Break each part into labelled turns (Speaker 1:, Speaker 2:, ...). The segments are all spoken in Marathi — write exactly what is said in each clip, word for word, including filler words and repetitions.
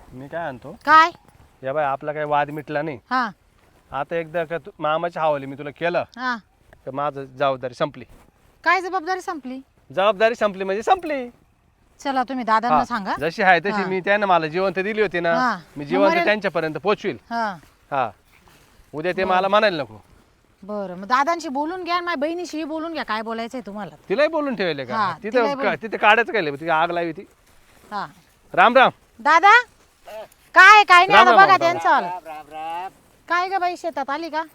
Speaker 1: मी काय आणतो
Speaker 2: काय
Speaker 1: या बाय आपला काही वाद मिटला नाही.
Speaker 2: हा
Speaker 1: आता एकदा का तू मामाच्या हवाली मी तुला केलं
Speaker 2: हा
Speaker 1: तर माझं जबाबदारी संपली.
Speaker 2: काय जबाबदारी संपली?
Speaker 1: जबाबदारी संपली म्हणजे संपली.
Speaker 2: चला तुम्ही दादांना
Speaker 1: हा,
Speaker 2: सांगा.
Speaker 1: जशी आहे तशी
Speaker 2: हा.
Speaker 1: मी त्यांना मला जिवंत दिली होती ना
Speaker 2: हा.
Speaker 1: मी
Speaker 2: मग
Speaker 1: जिवंत
Speaker 2: मरेल.
Speaker 1: त्यांच्यापर्यंत पोचवील.
Speaker 2: हा
Speaker 1: हा उद्या ते मला म्हणायला नको.
Speaker 2: बरं मग दादांशी बोलून घ्या, माझ्या बहिणीशी बोलून घ्या, काय बोलायचंय तुम्हाला.
Speaker 1: तिलाही बोलून ठेवले का
Speaker 2: हा, तिलाही
Speaker 1: तिथं
Speaker 2: बोलून.
Speaker 1: का- तिथे काढायचं काय तिथे आग लावी ती.
Speaker 2: हा
Speaker 1: राम राम.
Speaker 2: दादा काय काय नाही
Speaker 1: राम
Speaker 2: आता
Speaker 1: राम,
Speaker 2: बघा
Speaker 1: राम
Speaker 2: त्यांचं आलं.
Speaker 3: राम राम राम.
Speaker 2: काय ग बाई शेतात आली का?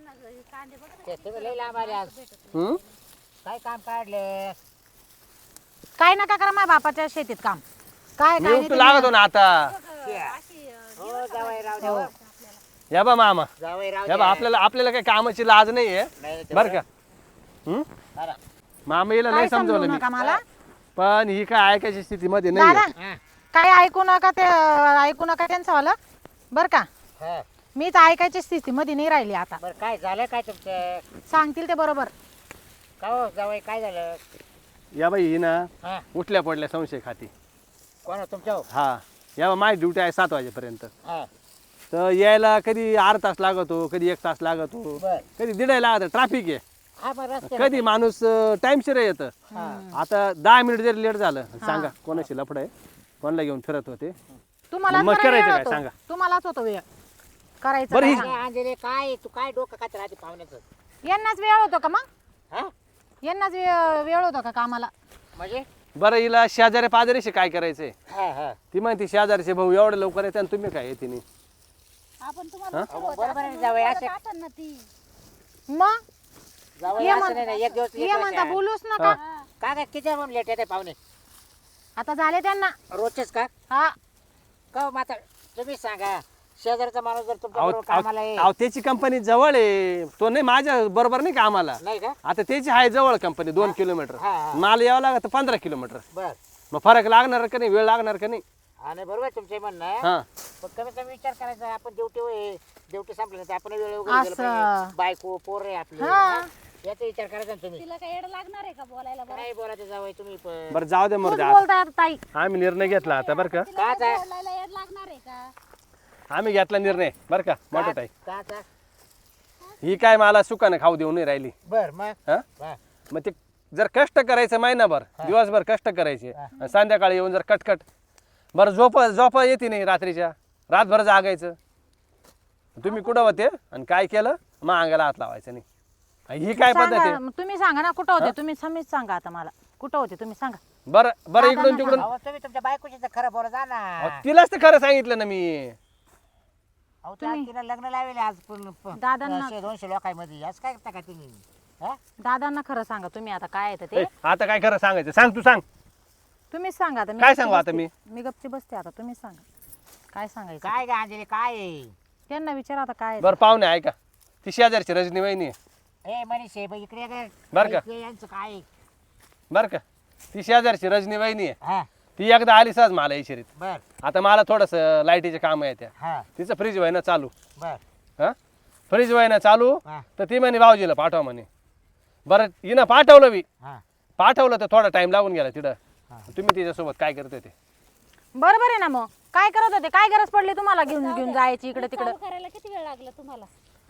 Speaker 3: ते तुम्ही लई लांब आले आज.
Speaker 1: हम्म?
Speaker 3: काय काम काढले?
Speaker 2: काय नका करा माझ्या बापाच्या शेतीत काम. काय
Speaker 1: मी
Speaker 2: काय
Speaker 1: उपटू लागतो ना आता.
Speaker 3: हो जावई राव द्या हो.
Speaker 1: या बा मामा
Speaker 3: जावई राव
Speaker 1: या बा
Speaker 3: द्या.
Speaker 1: आपल्याला आपल्याला काही कामाची लाज नाहीये
Speaker 3: नाही, नाही, ते
Speaker 1: बर का. हम्म?
Speaker 3: बरं.
Speaker 1: मामा येईल
Speaker 2: काय
Speaker 1: नाही
Speaker 2: समजू
Speaker 1: समजवलं मी
Speaker 2: नका मला.
Speaker 1: पण ही काय ऐकायची स्थितीमध्ये
Speaker 2: दादा
Speaker 1: नाही.
Speaker 3: हा,
Speaker 2: काय ऐकू नका ते ऐकू नका त्यांचं आलं बर का.
Speaker 3: हा.
Speaker 2: मीच ऐकायची स्थितीमध्ये नाही राहिली आता.
Speaker 3: बरं काय झालं काय तुमचं?
Speaker 2: सांगतील ते बरोबर.
Speaker 3: का हो जावई काय झालं?
Speaker 1: या बाई ही ना
Speaker 3: हा
Speaker 1: उठल्या पडल्या संशय खाती.
Speaker 3: कोण हो तुमच्या?
Speaker 1: हा या बा माझी ड्युटी आहे सात वाजेपर्यंत.
Speaker 3: हा
Speaker 1: तर यायला कधी अर्धा तास लागतो कधी एक तास लागतो
Speaker 3: बर
Speaker 1: कधी दीड लागत ट्रॅफिक आहे.
Speaker 3: हा बरं रस्ते
Speaker 1: कधी माणूस टाइमशीर येतं.
Speaker 3: हा.
Speaker 1: आता दहा मिनिट जरी लेट झालं सांगा कोणाशी लफड आहे कोणाला घेऊन फिरत होते.
Speaker 2: तुम्हालाच
Speaker 1: मग
Speaker 2: बरं
Speaker 1: करायचं
Speaker 2: वेळ
Speaker 1: काय
Speaker 2: होतो.
Speaker 1: सांगा.
Speaker 2: तुम्हालाच होतो वेळ करायचं
Speaker 1: बरं, ही-
Speaker 2: काय.
Speaker 3: काय अंजली काय तू काय डोकं खात राहते पाहुण्याचं?
Speaker 2: यांनाच वेळ होतो का मग?
Speaker 3: हा
Speaker 2: यांनाच वेळ वेळ होतो का कामाला?
Speaker 3: म्हणजे
Speaker 1: बरं हिला शेजारी पाजारीशी काय करायचंय.
Speaker 3: हा हा
Speaker 1: ती म्हणते शेजारचे भाऊ एवढं लवकर येते आणि तुम्ही काय येते नाही.
Speaker 4: आपण तुम्हाला
Speaker 1: हा?
Speaker 3: अहो, बरोबर आहे जावई असं
Speaker 4: आठवण ना ती.
Speaker 2: मग
Speaker 3: जावई
Speaker 2: ये
Speaker 3: असं
Speaker 2: म्हण-
Speaker 3: नाही ना, एक दिवस
Speaker 2: ये
Speaker 3: लेट
Speaker 2: म्हणता
Speaker 3: होईल.
Speaker 2: बोलूच नका.
Speaker 3: का काय किती म्हणून लेट येते पाहुणे?
Speaker 2: आता झाले त्यांना.
Speaker 3: रोजचेच का?
Speaker 2: हा
Speaker 3: का हो माता तुम्ही सांगा शेजारचा माणूस जर तुमच्या
Speaker 1: अहो,
Speaker 3: बरोबर कामाला
Speaker 1: अहो
Speaker 3: आहे
Speaker 1: अहो, त्याची कंपनी जवळ आहे तो नाही माझ्या बरोबर नाही का आम्हाला.
Speaker 3: नाही का?
Speaker 1: आता त्याची आहे जवळ कंपनी दोन किलोमीटर
Speaker 3: हा, हा.
Speaker 1: मला यावं लागत पंधरा किलोमीटर.
Speaker 3: बर
Speaker 1: मग फरक लागणार का नाही वेळ लागणार का नाही.
Speaker 3: आणि बरोबर तुमचे म्हणणं आहे.
Speaker 1: हा
Speaker 3: पण कमी कमी विचार करायचा आपण ड्युटी होय ड्युटी संपल्यानंतर आपण वेळ वगैरे गेलो
Speaker 2: असं.
Speaker 3: पाहिजे. बायको पोर आहे आपली
Speaker 2: हा.
Speaker 3: हा? याचा विचार करायचा ना तुम्ही.
Speaker 4: तिला काय येड लागणार आहे का बोलायला बरं?
Speaker 3: काय बोलायचं जावई तुम्ही पण
Speaker 1: बरं जाऊ दे
Speaker 2: तूच
Speaker 1: मग
Speaker 2: बोलताय आता ताई.
Speaker 1: आम्ही निर्णय घेतला आता बरं का.
Speaker 4: तिला
Speaker 3: काच
Speaker 4: काय
Speaker 3: आहे?
Speaker 4: बोलायला येड लागणार आहे का?
Speaker 1: आम्ही घेतला निर्णय बरं का मोठा ताई.
Speaker 3: का का
Speaker 1: ही काय मला सुखानं खाऊ देऊ नाही राहिली.
Speaker 3: बर मग
Speaker 1: हा
Speaker 3: हा.
Speaker 1: मग ते जर कष्ट करायचं महिनाभर दिवसभर कष्ट करायचे आणि संध्याकाळी येऊन जर कटकट बरं झोप झोप येते नाही रात्रीच्या रातभर जागायचं. तुम्ही कुठं होते आणि काय केलं मग अंगाला हात लावायचं नाही. ही काय पद्धत
Speaker 2: सांगा,
Speaker 1: आहे.
Speaker 2: मग तुम्ही सांगा ना कुठं होते तुम्ही. समीच सांगा आता मला कुठं होते तुम्ही सांगा.
Speaker 1: बरं बरं इकडून तिकडून
Speaker 3: अहो तुम्ही तुमच्या बायकोशी तर खरं बोला जा ना.
Speaker 1: अहो, तिलाच तर खरं सांगितलं ना मी.
Speaker 3: अहो त्या तिला लग्न लावेल आज पण प-
Speaker 2: दादांना-
Speaker 3: शे- दोनशे लोकांमध्ये असं काय करता का तुम्ही हा?
Speaker 2: दादांना खरं सांगा तुम्ही आता काय येतं
Speaker 1: ए,
Speaker 2: ते.
Speaker 1: आता काय खरं सांगायचं सांग तू सांग.
Speaker 2: तुम्हीच सांगा आता. मी
Speaker 1: काय
Speaker 2: गपची
Speaker 1: सांगू आता
Speaker 2: बसते.
Speaker 1: मी?
Speaker 2: मी गपची बसते आता तुम्हीच सांगा काय सांगायचं.
Speaker 3: काय गा अंजली काय आहे?
Speaker 2: त्यांना विचारा आता काय आहे.
Speaker 1: बरं पाहुणे ऐका ती शेजारची रजनी वहिनी आहे
Speaker 3: ए मनीष आहे, बघ इकडे ये गं.
Speaker 1: बरं का?
Speaker 3: इकडे यांचं काय आहे?
Speaker 1: बरं का. ती शेजारची रजनी वहिनी आहे.
Speaker 3: हा
Speaker 1: ती एकदा आली सहज मला इशारीत.
Speaker 3: बर
Speaker 1: आता मला थोडंसं लाईटीचे काम आहे त्या
Speaker 3: हा
Speaker 1: तिचं फ्रीज व्हायना चालू.
Speaker 3: बर
Speaker 1: हा फ्रीज व्हायना चालू
Speaker 3: हा
Speaker 1: तर ती म्हणे भाऊजीला पाठवा म्हणे. बरं हिनं पाठवलं बी
Speaker 3: हा
Speaker 1: पाठवलं तर थोडा टाइम लागून गेला तिथं.
Speaker 3: हा.
Speaker 1: तुम्ही तिच्यासोबत काय करत होते.
Speaker 2: बरोबर आहे ना मग काय करत होते. काय गरज पडली तुम्हाला घेऊन घेऊन जायची इकडे तिकडे.
Speaker 4: चालू करायला किती वेळ लागला तुम्हाला?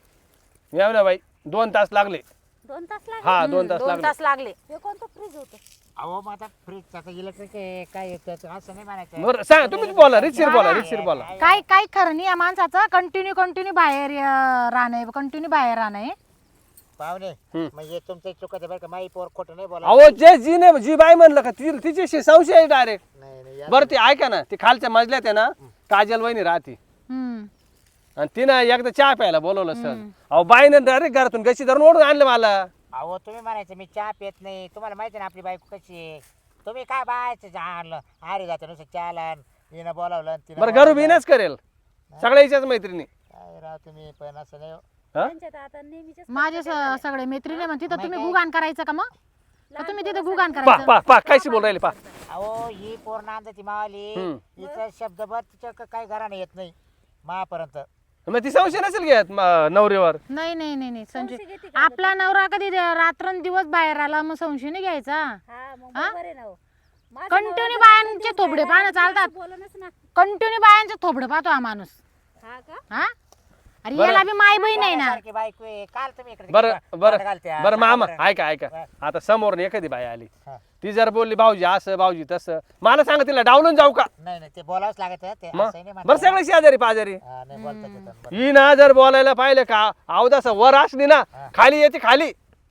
Speaker 1: येऊ बाई दोन तास लागले.
Speaker 4: दोन तास लागले.
Speaker 1: हा दोन तास
Speaker 2: दोन
Speaker 1: लागले.
Speaker 2: तास लागले.
Speaker 4: हे कोणतं फ्रीज होतं?
Speaker 3: अहो मग आता फ्रीज आता इलेक्ट्रिक आहे काय आहे त्याचं असं नाही म्हणायचं.
Speaker 1: बरं सांग तुम्हीच बोला रितशीर बोला रितशीर बोला.
Speaker 2: काय काय खरं नाही या माणसाचं. कंटिन्यू कंटिन्यू बाहेर अं, राहणं कंटिन्यू बाहेर राहणं.
Speaker 3: पाहुणे
Speaker 1: हम्म.
Speaker 3: म्हणजे तुमचं चुकत आहे बरं का माई पोर खोटं नाही बोला.
Speaker 1: अहो जे जी ने जी बाई म्हणलं का ती तिच्याशी संशय आहे डायरेक्ट.
Speaker 3: नाही नाही या-
Speaker 1: बरं ती ऐका ना ती खालच्या मजल्यात आहे ना काजल वहिनी राहते
Speaker 2: हम्म
Speaker 1: आणि तिनं एकदा चहा प्यायला बोलवलं सर. अहो बाईनं डायरेक्ट घरातून गशी धरून ओढून आणलं मला.
Speaker 3: अहो तुम्ही म्हणायचं मी चहा पित नाही तुम्हाला माहिती ना आपली बायको कशी आहे. तुम्ही काय बायचं चहा आणलं अरे जातं नुसतं चहाला हिनं बोलावलं आणि तिनं
Speaker 1: बरं घरू
Speaker 3: बोलावलं.
Speaker 1: बिनच करेल सगळ्या हिच्याच मैत्रिणी.
Speaker 3: काय राव तुम्ही पण असं नाही हो.
Speaker 1: हा
Speaker 4: त्यांच्यात आता नेहमीचेच
Speaker 2: माझे स- सगळे मैत्रिणी म्हणते तर तुम्ही गुगान करायचं का मग. का तुम्ही तिथे गुगान
Speaker 1: पा
Speaker 2: करायचं.
Speaker 1: पा पा कायशी बोल राहिले पा.
Speaker 3: अहो ही पोर नांदाची मावली
Speaker 1: हम्म.
Speaker 3: हिचा शब्दभर तिच्या क- काही घराने येत नाही महापर्यंत.
Speaker 1: मग ती संशय नसेल घेत म- नवरीवर.
Speaker 2: नाही नाही नाही नाही संशय.
Speaker 4: संशय घेते का?
Speaker 2: आपला नवरा कधी रात्रंदिवस बाहेर आला मग संशय नाही घ्यायचा.
Speaker 4: हा मग बरोबर आहे ना हो. माझं
Speaker 2: कंटिन्यू
Speaker 4: नवरा
Speaker 2: बायांचे
Speaker 4: जर
Speaker 2: थोबडे
Speaker 4: बाहेर
Speaker 2: पाहणं
Speaker 4: आला,
Speaker 2: चालतात.
Speaker 4: तर बोलणंच ना.
Speaker 2: कंटिन्यू बायांचे थोबडे पाहतो हा माणूस.
Speaker 4: हा का?
Speaker 2: हा अरे
Speaker 1: बरं.
Speaker 2: याला बी माय बहीण आहे ना.
Speaker 3: सारखी बायको आहे. काल तुम्ही इकडे
Speaker 1: बरं
Speaker 3: तिकडे
Speaker 1: बरं
Speaker 3: तोंड घालत्या.
Speaker 1: बरं मामा
Speaker 3: सांगा बरं.
Speaker 1: ऐका ऐका
Speaker 3: हा.
Speaker 1: आता समोर एखादी बाई आली
Speaker 3: हा.
Speaker 1: ती जर बोलली भाऊजी असं भाऊजी तसं मला सांगा तिला डावलून जाऊ का
Speaker 3: नाही नाही ते बोलावंच लागत ते
Speaker 1: मग
Speaker 3: असंही नाही
Speaker 1: बरं
Speaker 3: म्हणता.
Speaker 1: सगळे शेजारी पाजारी
Speaker 3: हा, नाही बोलता येतं. बरं.
Speaker 1: ही ना जर बोलायला पाहिलं का अवदास वर असली ना
Speaker 3: हा.
Speaker 1: खाली येते खाली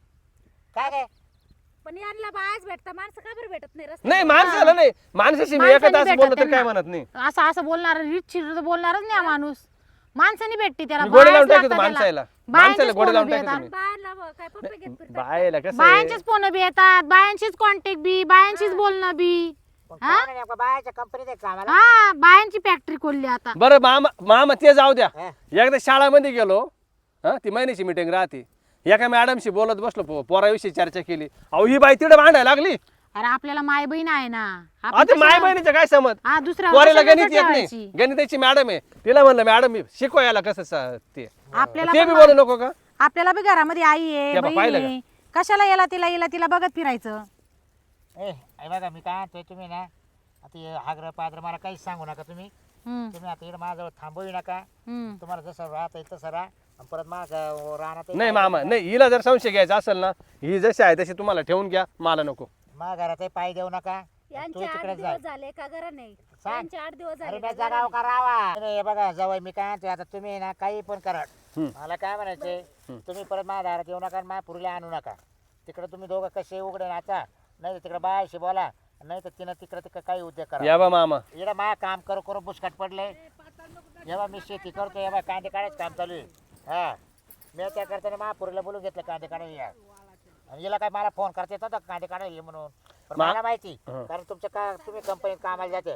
Speaker 3: काय काय
Speaker 4: पण यांना बायाच भेटता, माणसं का बरं भेटत नाही रस्त्यावर?
Speaker 1: नाही माणसाला नाही माणसाशी मी
Speaker 2: माणसाने
Speaker 1: एका तास
Speaker 2: भेटत
Speaker 1: बोललो तर
Speaker 2: त्यांना.
Speaker 1: काय म्हणत नाही
Speaker 2: असं असं बोलणार रीतशीर तर बोलणारच नाही हा माणूस. माणसाने भेटते त्याला
Speaker 1: मी गोडे लावून
Speaker 2: बायाच
Speaker 1: टाकतो
Speaker 2: लागतात
Speaker 1: माणसाला
Speaker 2: त्याला.
Speaker 1: माणसाला
Speaker 2: बायांचेच
Speaker 1: गोडे
Speaker 2: फोन
Speaker 1: लावून
Speaker 2: बी
Speaker 1: टाकतो
Speaker 2: येतात.
Speaker 1: तुम्ही
Speaker 4: बायाला ब- काय पप्पे घेत फिरता?
Speaker 1: बायला कसं आहे?
Speaker 2: बायांचेच फोन बी येतात, बायांशीच कॉन्टॅक्ट बी, बायांशीच बोलणं बी.
Speaker 3: पण
Speaker 2: हा?
Speaker 3: काय नाही नेमकं बायाच्या कंपनीत आहे कामाला.
Speaker 2: हा बायांची फॅक्टरी खोलली आता.
Speaker 1: बरं मामा मामा ते जाऊ द्या
Speaker 3: हा.
Speaker 1: एकदा शाळामध्ये गेलो हा ती महिन्याची मिटिंग राहते एका मॅडमशी बोलत बसलो पो- पोराविषयी चर्चा केली अहो ही बाई तिकडे भांडायला लागली
Speaker 2: अरे आपल्याला माय बहीण आहे ना. आपण
Speaker 1: आता माय
Speaker 2: कशाला-
Speaker 1: बहिणीचं काय समज
Speaker 2: हा दुसऱ्या
Speaker 1: पोराला
Speaker 2: कशाला
Speaker 1: गणित येत नाही
Speaker 2: ठेवायची?
Speaker 1: गणिताची मॅडम आहे तिला म्हणलं मॅडम शिकवायला कसं स- ते
Speaker 2: आपल्याला
Speaker 1: ते
Speaker 2: पण
Speaker 1: बी
Speaker 2: मा-
Speaker 1: बोलू नको का
Speaker 2: आपल्याला बी घरामध्ये आई आहे
Speaker 1: त्या बा-
Speaker 2: बहीण
Speaker 1: पाहिलं
Speaker 2: आहे. कशाला याला तिला याला तिला बघत फिरायचं.
Speaker 3: ए हे बघा मी काय म्हणतोय तुम्ही ना आता हे हागर पादर मला काहीच सांगू नका तुम्ही
Speaker 2: हम्म,
Speaker 3: तुम्ही आता इकडे माझ्याजवळ थांबवू नका.
Speaker 2: हम्म.
Speaker 3: तुम्हाला जसं राहत आहे तसं राहा आणि परत माझं राहणार
Speaker 1: नाही मामा नाही हिला जर संशय घ्यायचा असेल ना ही जशी आहे तशी तुम्हाला ठेवून घ्या मला नको
Speaker 3: माझ्या घरातही पाय देऊ नका. तू
Speaker 4: यांचे आठ
Speaker 3: तिकडेच जाय.
Speaker 4: दिवस झाले का घरा नाही?
Speaker 3: सांग.
Speaker 4: यांचे आठ दिवस
Speaker 3: अरे
Speaker 4: झाले
Speaker 3: मी
Speaker 4: का घरा
Speaker 3: जगाव
Speaker 4: नाही?
Speaker 3: का राहावा नाही, हे बघा जवळ मी काय म्हणतोय आता तुम्ही ना काही पण करा
Speaker 1: हम्म.
Speaker 3: मला काय म्हणायचे तुम्ही परत माझ्या दारात येऊ नका आणि माझ्या पुरीला आणू नका. तिकडे तुम्ही दोघं कसे उघडे नाचा नाही तर तिकडे बायाशी बोला नाही तर तिनं तिकडे तिकडे काही उद्योग करा.
Speaker 1: या बा मामा
Speaker 3: इकडे माझ्या काम करू करू बुसकट पडले जेव्हा मी शेती करतो तेव्हा कांदे काढायचं काम चालू आहे. हा मी त्या करताना महापुरीला बोलून घेतलं कांदे काढायला या आणि हिला काय मला फोन करता येत होता का कांदे काढायला ये म्हणून पण
Speaker 1: मा-
Speaker 3: मला माहिती
Speaker 1: हं.
Speaker 3: कारण तुमच्या का तुम्ही कंपनीत कामाला जाते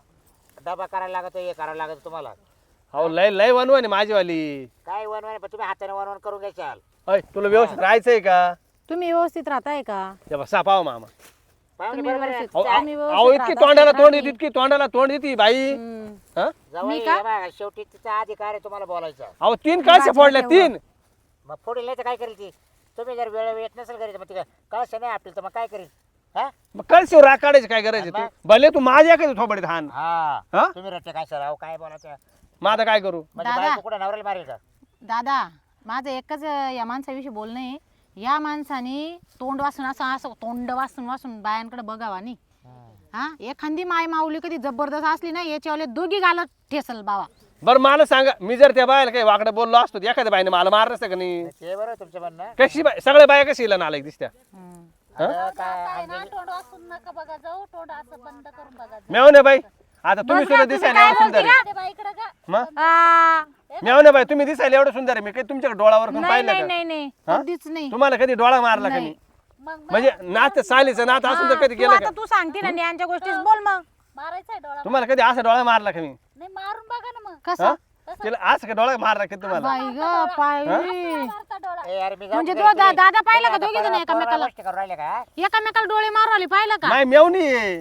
Speaker 3: डबा करायला लागतो हे करायला लागतं तुम्हाला
Speaker 1: अहो लय लय वनवन आहे माझीवाली
Speaker 3: काय वनवन पण तुम्ही हाताने वनवन करून घ्याल.
Speaker 1: अय तुला व्यवस्थित राहायचंय का
Speaker 2: तुम्ही व्यवस्थित राहताय का?
Speaker 1: या बा सापाव मामा
Speaker 3: पाहुणे
Speaker 2: तुम्ही
Speaker 3: बरोबर आहे.
Speaker 2: व्यवस्थित-
Speaker 1: अहो,
Speaker 2: आम्ही
Speaker 1: अहो
Speaker 2: व्यवस्थित
Speaker 1: इतकी
Speaker 2: राहत
Speaker 1: तोंडाला
Speaker 2: असतो,
Speaker 1: तोंड
Speaker 2: राहते.
Speaker 1: देते इतकी तोंडाला तोंड देते बाई
Speaker 2: हम्म.
Speaker 1: हा
Speaker 3: जवळ
Speaker 2: मी
Speaker 3: ये
Speaker 2: का?
Speaker 3: बघा, शेवटी तिचा अधिकार आहे तुम्हाला बोलायचा.
Speaker 1: अहो तीन कळशे फोडल्या तीन
Speaker 3: मग पुढे नाही तर काय करेल ती तुम्ही जर वेळ येत नसेल घरी तर मग तिला कळश नाही आपली तर मग काय करेल. हा
Speaker 1: मग कळशीवर राग काढायचं काय करायचं तू भले तू माझ्या काय थोबडीत हान
Speaker 3: हा
Speaker 1: हा
Speaker 3: तुम्ही रट्टे काय सर अहो काय बोलायचं
Speaker 1: मग आता काय करू
Speaker 3: म्हणजे
Speaker 2: दादा.
Speaker 3: बायको कुठे नवऱ्याला मारेल का.
Speaker 2: दादा माझं एकच अं, या माणसाविषयी बोलणं आहे. या माणसाने तोंड वासून असं असं तोंड वासून वासून बायांकडे बघावा नाही. हा एखादी माय माऊली कधी जबरदस्त असली ना याच्यावाले दोघी घालत ठेसल बाबा.
Speaker 1: बरं मला सांगा मी जर त्या बायला काही वाकडं बोललो असतो तर एखाद्या बाईने मला मारलं असतं का नाही
Speaker 3: ते बरोबर तुमचं म्हणणं.
Speaker 1: कशी बाय सगळ्या बाया कशी हिला नालायक दिसत्या
Speaker 2: हम्म.
Speaker 3: आता काय
Speaker 4: काय ना तोंड वाचून नका बघा जाऊ, तोंड असं बंद करून बघा.
Speaker 1: मेवणे बाई आता तुम्ही
Speaker 2: बस
Speaker 1: सुद्धा
Speaker 2: ना, तुम्ही
Speaker 1: दिसायला
Speaker 2: काय
Speaker 1: एवढं सुंदर आहे
Speaker 4: ते बाईकडं का?
Speaker 1: मग
Speaker 2: आ,
Speaker 1: मेवणे बाई तुम्ही दिसायला एवढं सुंदर आहे मी काही तुमच्याकडे डोळावर करून
Speaker 2: नाही
Speaker 1: पाहिलं
Speaker 2: नाही
Speaker 1: का
Speaker 2: नाही नाही
Speaker 1: हा?
Speaker 2: कधीच नाही.
Speaker 1: तुम्हाला कधी डोळा मारला का
Speaker 2: नाही.
Speaker 1: नाही
Speaker 4: मग
Speaker 1: म्हणजे नात सालीचं नात असून तर
Speaker 2: हा,
Speaker 1: कधी
Speaker 2: तू
Speaker 1: गेलं
Speaker 2: आता
Speaker 1: का
Speaker 2: तू सांगते ना यांच्या गोष्टीच बोल मग.
Speaker 4: मारायचंय डोळा?
Speaker 1: तुम्हाला कधी असा डोळा मारला का मी
Speaker 4: नाही मारून बघा ना मग.
Speaker 1: हा?
Speaker 2: कसं
Speaker 1: तिला असं का डोळा मारला का तुम्हाला
Speaker 2: बाई ग पाय
Speaker 4: मारता डोळा.
Speaker 3: ए, अरे मी जाऊ
Speaker 2: म्हणजे
Speaker 3: दे,
Speaker 2: तो दा-
Speaker 3: तुम्ही-
Speaker 2: दादा पाहिलं का
Speaker 3: तुम्ही
Speaker 2: दोघी
Speaker 3: आता
Speaker 2: जण
Speaker 3: पोरं-
Speaker 2: एकामेकाला?
Speaker 3: पोरं गोष्टी करून राहिले का.
Speaker 2: एकामेकाला डोळे मारू आले पाहिलं का?
Speaker 1: नाही मेवणी आहे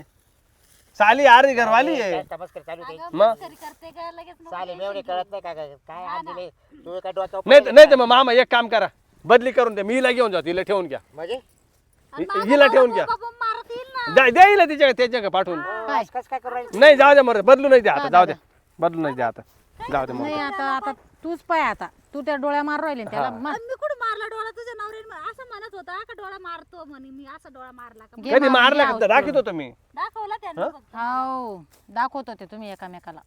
Speaker 1: साली आरी घरवाली आहे
Speaker 3: काय तमस्कर चालू दे.
Speaker 4: अगं,
Speaker 1: मग?
Speaker 4: मस्करी करते का लगेच नको
Speaker 3: चालेल
Speaker 4: टेन्शन
Speaker 3: मेवणे
Speaker 4: घेऊ.
Speaker 3: कळत नाही का काय काय हात दिले तू काय डोक्यावर
Speaker 1: नाही
Speaker 3: पडले
Speaker 1: नाही
Speaker 3: का?
Speaker 1: तर मग मामा एक काम करा बदली करून द्या मी हिला घेऊन जातो हिला ठेवून घ्या
Speaker 3: म्हणजे
Speaker 4: आणि
Speaker 1: हि-
Speaker 4: माझा
Speaker 1: हिला
Speaker 4: नवरा
Speaker 1: ठेवून घ्या.
Speaker 4: बाबा मारत येईल ना.
Speaker 1: द्या द्या हिला तिच्या त्याच्या पाठवून
Speaker 2: काय?
Speaker 3: कसं काय करून राहिले.
Speaker 1: नाही जाऊ द्या मर बदलू नाही द्या आता
Speaker 2: हा,
Speaker 1: जाऊ
Speaker 2: दादा.
Speaker 1: द्या बदलू नाही द्या आता जाऊ द्या
Speaker 2: नाही
Speaker 1: मग
Speaker 2: आता आता तूच पाय आता तू त्या डोळ्या मारू राहिले ना त्याला मार.
Speaker 4: आणि मी कुठं मारला डोळा तुझ्या नवऱ्याने असं म्हणत होता का डोळा मारतो म्हणे मी असा डोळा मारला का?
Speaker 2: घे
Speaker 1: कधी
Speaker 2: मारून
Speaker 1: मारला
Speaker 2: घे
Speaker 1: का
Speaker 2: औषध.
Speaker 1: राखीत होतो मी
Speaker 4: दाखवला त्यांनी फक्त.
Speaker 2: हो दाखवत होते तुम्ही एकामेकाला.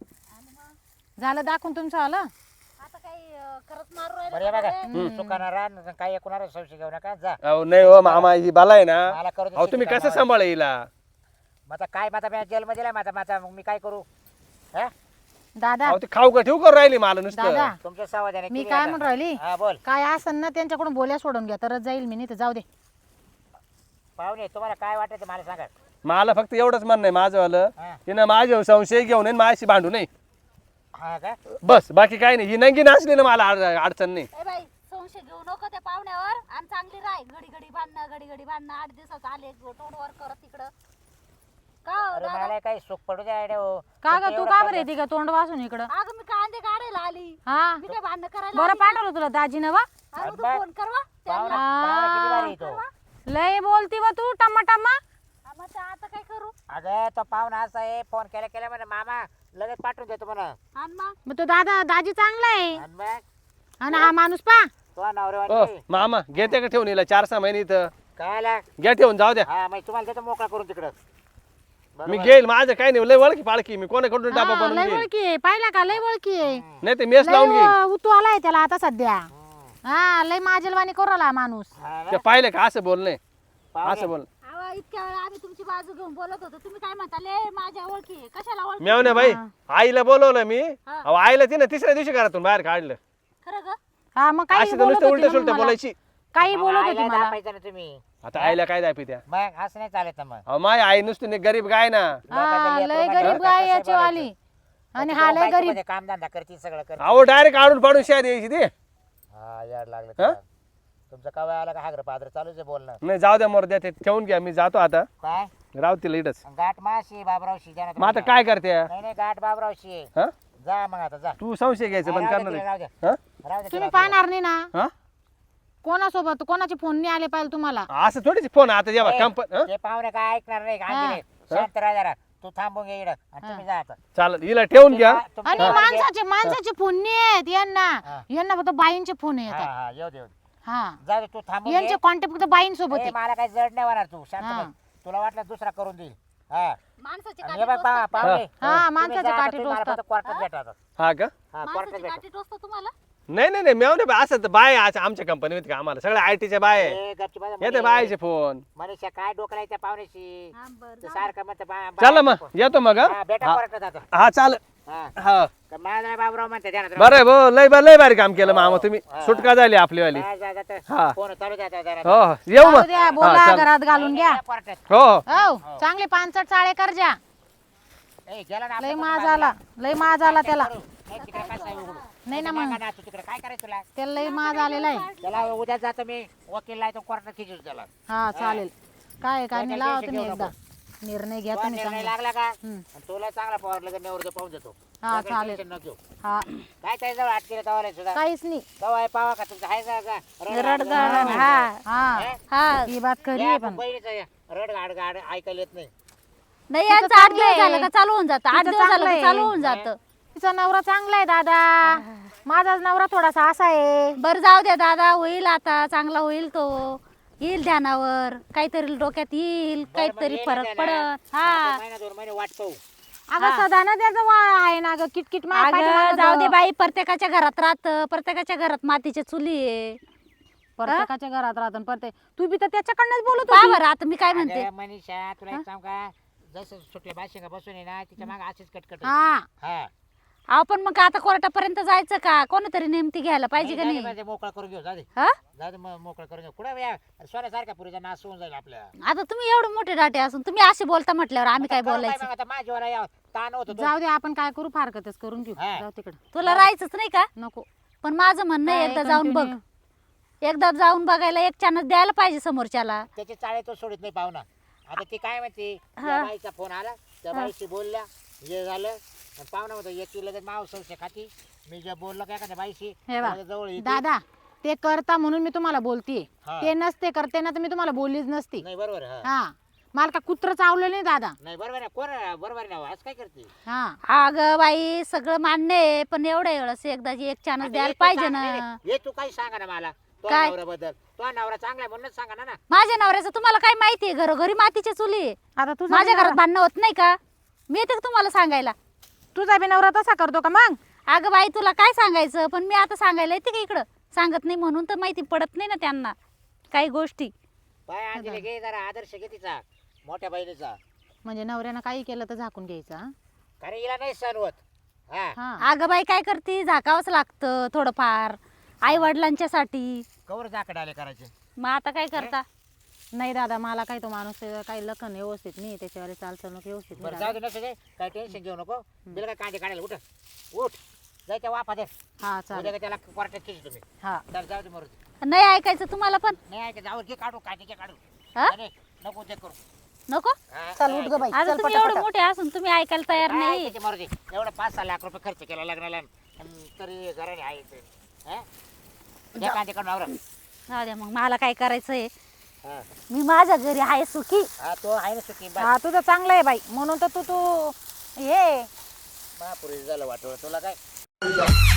Speaker 2: झालं दाखवून तुमचं आलं.
Speaker 4: आता काही अं, करत मारू
Speaker 3: बरं
Speaker 4: राहिले
Speaker 3: हे बघा
Speaker 4: का बरं?
Speaker 3: चुकाना राहा काय एकूणाला संशय घेऊ नका जा
Speaker 1: अहो नाही हो मामा ही बाला आहे ना
Speaker 3: मला करू दे
Speaker 1: अहो तुम्ही
Speaker 3: शेती
Speaker 1: कसं
Speaker 3: कामावर.
Speaker 1: सांभाळ हिला
Speaker 3: मग आता काय माझा मी जेलमध्ये दिलाय माझा माझा मग मी काय करू हा
Speaker 2: दादा
Speaker 1: अहो ते खाऊ का ठेवू करून राहिली मला नुसतं
Speaker 2: दादा
Speaker 3: तुमच्या सावधाने
Speaker 2: मी
Speaker 3: केली
Speaker 2: काय
Speaker 3: आता.
Speaker 2: म्हणून राहिली
Speaker 3: हा बोल
Speaker 2: काय असन ना त्यांच्याकडून बोल्या सोडून घ्या तरच जाईल मी नाही तर जाऊ दे.
Speaker 3: पाहुणे तुम्हाला काय वाटत मला सांगा.
Speaker 1: मला फक्त एवढंच म्हणणं आहे माझंवालं
Speaker 3: हा.
Speaker 1: तिनं माझ्या संशय घेऊन येईन माझ्याशी भांडू नाही
Speaker 3: हा का
Speaker 1: बस बाकी काही नाही ही नंगी नाचली ना मला अड- अडचण नाही
Speaker 4: ए बाई संशय घेऊ नको त्या पाहुण्यावर आणि चांगली राह घडी घडी भांडणं घडी घडी भांडणं आठ दिवसात आले तोंडवर करत तिकडं का हो
Speaker 3: अरे
Speaker 4: दादा?
Speaker 3: मला काही सुख पडू द्या आयडिया हो.
Speaker 2: का ग
Speaker 3: तुमचं
Speaker 2: तू
Speaker 3: एवढं
Speaker 2: का
Speaker 3: कर्ज-
Speaker 2: बरं येते का तोंड वासून इकडं?
Speaker 4: अगं मी कांदे काढायला आली
Speaker 2: हा
Speaker 4: मी काय भांडणं करायला
Speaker 2: बरं
Speaker 4: आली?
Speaker 2: पाठवलं तुला दाजीनं वा.
Speaker 4: अरे तू
Speaker 3: बा-
Speaker 4: फोन करवा
Speaker 3: पाहुणा
Speaker 4: त्यांना
Speaker 3: पाहुणा किती भारी आहे तो.
Speaker 2: लय बोलती व तू टम्मा टम्मा.
Speaker 4: हा, मग ते आता काय करू
Speaker 3: अगं तो पाहुणा असा आहे फोन केल्या केल्या म्हणे मामा लगेच पाठवून देतो म्हणा.
Speaker 4: आणि मग
Speaker 2: मग तो दादा दाजी चांगला आहे
Speaker 3: आणि मग
Speaker 2: आणि हा माणूस पा
Speaker 3: तो
Speaker 1: ओ
Speaker 3: नवरेवाली
Speaker 1: मामा घेते का ठेवून हिला चार सहा महिने इथं
Speaker 3: काय आला
Speaker 1: घ्या ठेवून जाऊ द्या
Speaker 3: हा मग तुम्हाला देतो मोकळा करून तिकडं.
Speaker 1: मी
Speaker 3: बरोबर.
Speaker 1: घेईल माझं काही नाही लय वळखी पाळखी मी कोणाकडून डाबा
Speaker 2: हा,
Speaker 1: बनवून
Speaker 2: लय
Speaker 1: घेईल
Speaker 2: ओळखी आहे पाहिला का लय ओळखी आहे
Speaker 1: नाही ते मेस लावून घेईल
Speaker 2: लय उतू आलाय त्याला आता सध्या
Speaker 3: हम्म.
Speaker 2: हा लय माजलवाणी करू आला माणूस
Speaker 3: हा ना?
Speaker 1: ते पाहिलं का असं बोलणे
Speaker 3: पाहुणे.
Speaker 1: असं बोल
Speaker 4: अहो इतक्या वेळा आम्ही तुमची बाजू घेऊन बोलत होतो तुम्ही काय म्हणता ले माझ्या ओळखी आहे. कशाला ओळखी
Speaker 1: मेवणे बाई आईला बोलवलं मी अहो आईला तिने तिसऱ्या दिवशी घरातून बाहेर काढलं
Speaker 4: खरं ग
Speaker 2: हा मग काही
Speaker 1: अशी तर
Speaker 2: बोलत
Speaker 1: नुसतं
Speaker 2: होती
Speaker 1: उलट
Speaker 2: ना
Speaker 1: सुलट
Speaker 2: मला.
Speaker 1: बोलायची
Speaker 2: काही
Speaker 3: मग
Speaker 2: बोलत होती
Speaker 3: आईला
Speaker 2: मला
Speaker 3: दापायचं ना तुम्ही.
Speaker 1: आता आईला काय दापी त्या
Speaker 3: मग असं नाही चालत ना मग.
Speaker 1: अहो माय आई नुसती नाही गरीब गाय ना
Speaker 2: हा
Speaker 3: लोकांच्या
Speaker 2: लय
Speaker 3: लेकरं
Speaker 2: गरीब
Speaker 3: बाळाचं
Speaker 2: गाय
Speaker 3: कसं
Speaker 2: याची
Speaker 3: बोलायचं?
Speaker 2: वाली आणि
Speaker 3: आता
Speaker 2: हा
Speaker 3: तो
Speaker 2: लय
Speaker 3: बायको
Speaker 2: गरीब
Speaker 3: मध्ये कामधंदा करते सगळं करते.
Speaker 1: अहो डायरेक्ट काढून पाडून शेत यायची ते
Speaker 3: हा याड लागलं
Speaker 1: हा?
Speaker 3: त्याला. तुमचं कवा आला का हागर पादर चालूच आहे बोलणं.
Speaker 1: नाही जाऊ द्या मोर द्या ते ठेवून घ्या मी जातो आता
Speaker 3: काय
Speaker 1: राव तिला इडच
Speaker 3: गाठ माशी बाबरावशी जाणार
Speaker 1: मग आता काय करते
Speaker 3: नाही नाही गाठ बाबरावशी आहे.
Speaker 1: हा
Speaker 3: जा मग आता जा.
Speaker 1: तू संशय घ्यायचं बंद
Speaker 3: राहू
Speaker 1: करणार
Speaker 3: दे,
Speaker 1: आहे.
Speaker 3: राहू दे.
Speaker 1: हा?
Speaker 3: राहू दे
Speaker 2: तुम्ही
Speaker 3: तिला.
Speaker 2: पाहणार नाही ना
Speaker 1: हा
Speaker 2: कोणासोबत कोणाचे फोन नाही आले पाहिजे तुम्हाला
Speaker 1: असं थोडीच फोन आता जेव्हा
Speaker 3: ए,
Speaker 1: कंपनी
Speaker 3: ते पाहुणे काय ऐकणार नाही गांधीने शांत राहा जरा. तू थांबून घे इकडं आणि तुम्ही जा आता.
Speaker 1: चालेल हिला ठेवून घ्या
Speaker 3: तुमची
Speaker 2: आणि
Speaker 3: गाडी घे.
Speaker 2: माणसाचे माणसाचे फोन नाही आहेत यांना
Speaker 3: हा.
Speaker 2: यांना फक्त बाईंचे फोन
Speaker 3: हा
Speaker 2: येतात
Speaker 3: हा येऊ दे येऊ दे.
Speaker 2: हा
Speaker 3: जा दे, तू थांबून
Speaker 2: यांचे
Speaker 3: घे.
Speaker 2: कॉन्टॅक्ट फक्त बाईंसोबत
Speaker 3: ए,
Speaker 2: आहे
Speaker 3: मला काही जड नाही होणार तू शांत
Speaker 2: हा.
Speaker 3: बस. तुला वाटलं दुसरा करून देईल हा
Speaker 4: माणसाची
Speaker 3: आणि
Speaker 4: काठी
Speaker 3: हे बघ पा-
Speaker 4: टोचतात का?
Speaker 3: पाहुणे.
Speaker 2: हा,
Speaker 3: तुम्ही
Speaker 2: माणसाचे
Speaker 3: जा आता,
Speaker 2: काठी
Speaker 3: तुम्ही मला
Speaker 2: टोचतात.
Speaker 3: फक्त कोर्टात भेटा आता.
Speaker 1: हा का
Speaker 3: हा कोर्टात
Speaker 4: माणसाची
Speaker 3: भेटा.
Speaker 4: काठी टोचतो तुम्हाला
Speaker 1: नाही नाही नाही मेव नाही असं तर बाय आज आमच्या कंपनीत का आम्हाला सगळ्या आय टीच्या बाय आहे.
Speaker 3: ए, गपची बसा,
Speaker 1: येते
Speaker 3: मनी-
Speaker 1: बायचे फोन
Speaker 3: मनीषा काय डोकं त्या पाहुण्याशी
Speaker 4: हा बरं
Speaker 3: ते
Speaker 4: जाऊ.
Speaker 3: सारखं म्हणतं बा- बा-
Speaker 1: चला मग येतो मग
Speaker 3: हा,
Speaker 1: हा
Speaker 3: भेटा
Speaker 1: हा.
Speaker 3: कोर्टात आता.
Speaker 1: हा चाल
Speaker 3: हा
Speaker 1: हा
Speaker 3: का माझा बाबराव म्हणते ध्यानात राहू.
Speaker 1: बरं आहे भाऊ लय लय भारी काम केलं मामा तुम्ही
Speaker 3: हा.
Speaker 1: सुटका झाली आपली वाली
Speaker 3: जा, जा, जा, जा.
Speaker 1: हा.
Speaker 3: फोन चालू द्या आता जरा.
Speaker 1: हो येऊ
Speaker 2: जाऊ
Speaker 1: मग
Speaker 2: द्या
Speaker 1: हा,
Speaker 2: बोला
Speaker 1: चाल.
Speaker 2: घरात घालून घ्या
Speaker 3: या कोर्टात.
Speaker 1: हो हो.
Speaker 2: हो चांगले पानसट चाळे कर जा
Speaker 3: ए, गेला ना
Speaker 2: लय
Speaker 3: आपलं
Speaker 2: माज
Speaker 3: बाजूला.
Speaker 2: आला लय माज आला त्याला
Speaker 3: करू. ए, तिकडे कसा आहे उघडू?
Speaker 2: नाही ना
Speaker 3: तिकडे
Speaker 2: मग
Speaker 3: नका नाचू तिकडे. काय करायचं तुला
Speaker 2: त्याला लय माज आलेला आहे
Speaker 3: त्याला उद्या जातो मी वकील आहे तो कोर्टात खिचू त्याला.
Speaker 2: हा चालेल काय काय नाही
Speaker 3: त्याला
Speaker 2: लावा
Speaker 3: टेन्शन
Speaker 2: तुम्ही
Speaker 3: घेऊ
Speaker 2: एकदा
Speaker 3: नको.
Speaker 2: निर्णय घ्या
Speaker 3: तुला
Speaker 2: तुम्ही
Speaker 3: निर्णय
Speaker 2: चांगला
Speaker 3: लागला का
Speaker 2: हम्म.
Speaker 3: आणि तुला चांगला पवार लगेच नेवर पाहून देतो.
Speaker 2: हा,
Speaker 3: त्याचं
Speaker 2: चालेल.
Speaker 3: टेन्शन नको घेऊ.
Speaker 2: हा
Speaker 3: काय काय जवळ आठ केलं तवाला सुद्धा
Speaker 2: काहीच नाही
Speaker 3: तवा आहे पावा का तुमचं आहे का- का
Speaker 4: रडगाड हा
Speaker 2: हा
Speaker 4: हा
Speaker 2: ही बात खरी आहे पण
Speaker 3: रड गाड गाड ऐकायला येत नाही.
Speaker 4: नाही
Speaker 2: तिचं
Speaker 4: यांचं आठ दिवस
Speaker 2: चांगलं
Speaker 4: झालं
Speaker 2: आहे.
Speaker 4: का चालू होऊन जातं आठ
Speaker 2: तिचं
Speaker 4: दिवस झालं
Speaker 2: चांगलं
Speaker 4: का
Speaker 2: आहे.
Speaker 4: चालू होऊन जातं
Speaker 2: तिचा नवरा चांगला आहे दादा माझाच नवरा थोडासा असा आहे
Speaker 4: बरं जाऊ द्या दादा होईल आता चांगला होईल तो येईल ध्यानावर काहीतरी डोक्यात येईल काहीतरी फरक पडत हा
Speaker 3: महिना दोन महिने वाट पाहू.
Speaker 2: अगं सदा ना त्याचं वा- आहे ना ग किटकिट मा-
Speaker 4: अगं
Speaker 2: पाठीमागं
Speaker 4: जाऊ दे
Speaker 2: ग.
Speaker 4: बाई प्रत्येकाच्या घरात राहत प्रत्येकाच्या घरात मातीच्या चुली आहे
Speaker 2: प्रत्येकाच्या घरात राहतो प्रत्येक तू बी तर त्याच्याकडनंच बोलत
Speaker 4: पहा
Speaker 2: होती
Speaker 4: बरं आता मी काय म्हणते
Speaker 3: अगं मनीषा तुला एक सांग का जसं सुटले बाशिंगा बसून आहे ना तिच्या मागे अशीच कटकट आहे.
Speaker 2: हा
Speaker 3: हा
Speaker 4: अहो पण मग आता कोर्टापर्यंत जायचं का कोणतरी नेमती घ्यायला पाहिजे का
Speaker 3: जाऊ दे,
Speaker 4: नाही
Speaker 3: जाऊ दे, मोकळा करून घेऊ जा दे
Speaker 4: हा
Speaker 3: जा दे, मग मोकळा करून घेऊ कुठे या सोन्यासारख्या पुरीचा नाश होऊन जाईल आपल्या.
Speaker 4: आता तुम्ही एवढे मोठे डाटे असून तुम्ही असे बोलता म्हटल्यावर आम्ही काय
Speaker 3: करू
Speaker 4: बोलायचं
Speaker 3: मग आता माझ्यावर या ताण होतो तो.
Speaker 2: जाऊ दे आपण काय करू फारकतच करून घेऊ
Speaker 3: हा.
Speaker 2: जाऊ तिकडे
Speaker 4: तुला राहायचंच नाही का
Speaker 2: नको
Speaker 4: पण माझं म्हणणं आहे,
Speaker 2: काय
Speaker 4: एकदा जाऊन बघ
Speaker 2: continue?
Speaker 4: एकदा जाऊन बघायला एक चान्स द्यायला पाहिजे समोरच्याला
Speaker 3: त्याचे चाळे तो सोडित नाही पाहुणा. आता ती काय म्हणते त्या बाईचा फोन आला त्या बाईशी बोलल्या हे झालं आणि पाहुणा होता याची लगेच माव संशय खाती मी जे बोललो काय का बाईशी
Speaker 2: हे बा,
Speaker 3: लगेच जवळ येते.
Speaker 2: दादा ते करता म्हणून मी तुम्हाला बोलतीये
Speaker 3: हा.
Speaker 2: ते नसते करते ना तर मी तुम्हाला बोललीच नसती
Speaker 3: नाही बरोबर आहे, हा.
Speaker 2: हा मला का कुत्र चावलं नाही दादा
Speaker 3: नाही बरोबर आहे कोण आहे? बरोबर नाही आज काय करते
Speaker 2: हा
Speaker 4: अगं बाई सगळं मान्य आहे पण एवढ्या वेळेस एकदा एक चान्स
Speaker 3: आता
Speaker 4: द्यायला
Speaker 3: हे तू
Speaker 4: पाहिजे
Speaker 3: सांग-
Speaker 4: ना
Speaker 3: नाही, नाही, हे तू काही सांगा ना मला तो
Speaker 4: काय?
Speaker 3: नवऱ्याबद्दल तो नवरा चांगला आहे म्हणूनच सांगा ना ना
Speaker 4: माझ्या नवऱ्याचं तुम्हाला काय माहितीये घरोघरी मातीच्या चुली आहे.
Speaker 2: आता तुझा
Speaker 4: माझ्या
Speaker 2: बी
Speaker 4: घरात
Speaker 2: नवरा-
Speaker 4: भांडणं होत नाही का मी येते का तुम्हाला सांगायला
Speaker 2: तुझा बी नवरा तसा करतो का मग
Speaker 4: अगं बाई तुला काय सांगायचं पण मी आता सांगायला येते का इकडं सांगत नाही म्हणून तर माहिती पडत नाही ना त्यांना काही गोष्टी
Speaker 3: पाय अंजली घे जरा आदर्श घे तिचा मोठ्या बहिणीचा
Speaker 2: म्हणजे नवऱ्यानं काही केलं तर झाकून घ्यायचं हा?
Speaker 3: कारण हिला नाही सण होत हा
Speaker 2: हा
Speaker 4: अगं बाई काय करते झाकावंच लागतं थोडंफार आई वडिलांच्यासाठी
Speaker 3: कवर जाकड आले करायचे
Speaker 4: मग आता काय करता
Speaker 2: नाही दादा मला काही तो माणूस काही लखन व्यवस्थित नाही त्याच्यावर चालचणूक व्यवस्थित नाही
Speaker 3: बरं
Speaker 2: दादा.
Speaker 3: जाऊ दे नसू दे काय टेन्शन घेऊ नको बिल काय कांदे काढायला उठ उठ जायच्या वाफा दे
Speaker 2: हा
Speaker 3: उद्या
Speaker 2: चालेल
Speaker 3: का त्याला कोर्टात खिच तुम्ही
Speaker 2: हा
Speaker 3: तर जाऊ दे मरू
Speaker 4: नाही ऐकायचं तुम्हाला पण
Speaker 3: नाही ऐका जाऊ घे काढू कांदे घे काढू
Speaker 4: हा?
Speaker 3: नाही, नको ते करू
Speaker 4: नको
Speaker 3: हा,
Speaker 2: चल
Speaker 3: नाही
Speaker 2: उठ ग बाई
Speaker 4: आता
Speaker 2: चल
Speaker 4: तुम्ही
Speaker 2: पटापटा.
Speaker 4: एवढे मोठे असून तुम्ही ऐकायला तयार
Speaker 3: काय
Speaker 4: नाही
Speaker 3: ऐकायचे मरू दे एवढं पाच सहा लाख रुपये खर्च केला लग्नाला आणि तरी घराने आहे ते हा? घे कांदे काढून आवरा
Speaker 4: जाऊ द्या मग मला काय करायचंय
Speaker 3: हा
Speaker 4: मी माझ्या घरी आहे सुखी.
Speaker 3: हा तो आहे ना सुखी बा
Speaker 2: हा तुझं चांगलं आहे बाई म्हणून तर तू तू हे
Speaker 3: महापुरी झालं वाटलं तुला काय